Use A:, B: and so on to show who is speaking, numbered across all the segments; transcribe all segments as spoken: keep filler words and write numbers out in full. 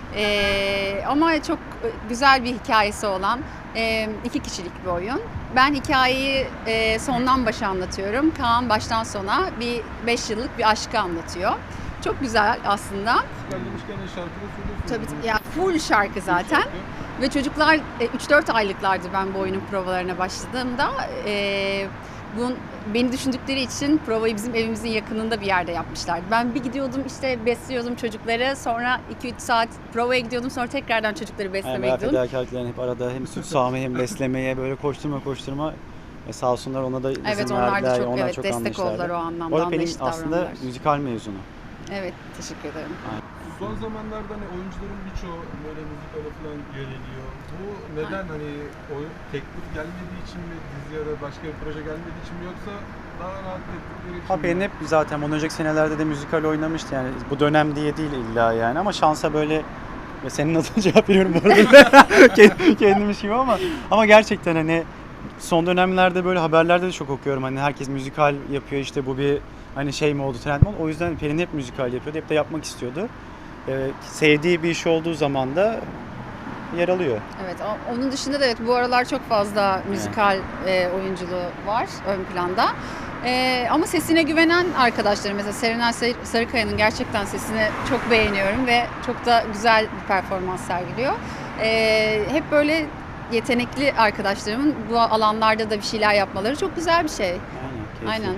A: Ee, ama çok güzel bir hikayesi olan e, iki kişilik bir oyun. Ben hikayeyi e, sondan başa anlatıyorum. Kaan baştan sona bir beş yıllık bir aşkı anlatıyor. Çok güzel aslında.
B: Müzikal demişken de şarkı da söylüyorsunuz.
A: Tabii ya full şarkı zaten.
B: Şarkı.
A: Ve çocuklar e, üç dört aylıklardı ben bu oyunun provalarına başladığımda. E, bun, beni düşündükleri için provayı bizim evimizin yakınında bir yerde yapmışlardı. Ben bir gidiyordum işte besliyordum çocukları. Sonra iki üç saat provaya gidiyordum. Sonra tekrardan çocukları
C: Yani
A: beslemeye
C: bayağı
A: gidiyordum.
C: fedakarlıklarını hep arada hem süt sağmaya hem beslemeye böyle koşturma koşturma e sağ olsunlar ona da izin
A: Evet onlar
C: verdiler.
A: da çok,
C: onlar
A: evet,
C: çok
A: destek
C: anlayışlardı.
A: oldular o anlamda.
C: Bu arada Pelin
A: Anlayışlı
C: aslında
A: davrandılar.
C: müzikal mezunu.
A: Evet teşekkür ederim.
B: Son zamanlarda hani oyuncuların birçoğu böyle müzikale falan yöneliyor. Bu neden hani oyun teklif gelmediği için mi, dizi ya da başka bir proje gelmediği için mi, yoksa daha rahat ettikleri için
C: Ha
B: mi?
C: Pelin hep zaten bundan önceki senelerde de müzikal oynamıştı yani bu dönem diye değil illa yani ama şansa böyle ve senin adına cevap veriyorum bu arada kendimiş gibi ama ama gerçekten hani son dönemlerde böyle haberlerde de çok okuyorum hani herkes müzikal yapıyor işte bu bir hani şey mi oldu trend mi oldu o yüzden Pelin hep müzikal yapıyordu hep de yapmak istiyordu. Ee, sevdiği bir iş olduğu zaman da yer alıyor.
A: Evet, o- onun dışında da evet bu aralar çok fazla müzikal e, oyunculuğu var ön planda. E, ama sesine güvenen arkadaşlarım mesela Serenay Sar- Sarıkaya'nın gerçekten sesini çok beğeniyorum ve çok da güzel bir performans sergiliyor. E, hep böyle yetenekli arkadaşlarımın bu alanlarda da bir şeyler yapmaları çok güzel bir şey.
C: Aynen. keyifli.
A: Aynen.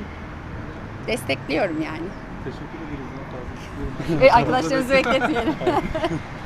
A: Destekliyorum yani.
B: Teşekkür ederiz. Daha fazla.
A: E, arkadaşlarınızı bekletmeyelim.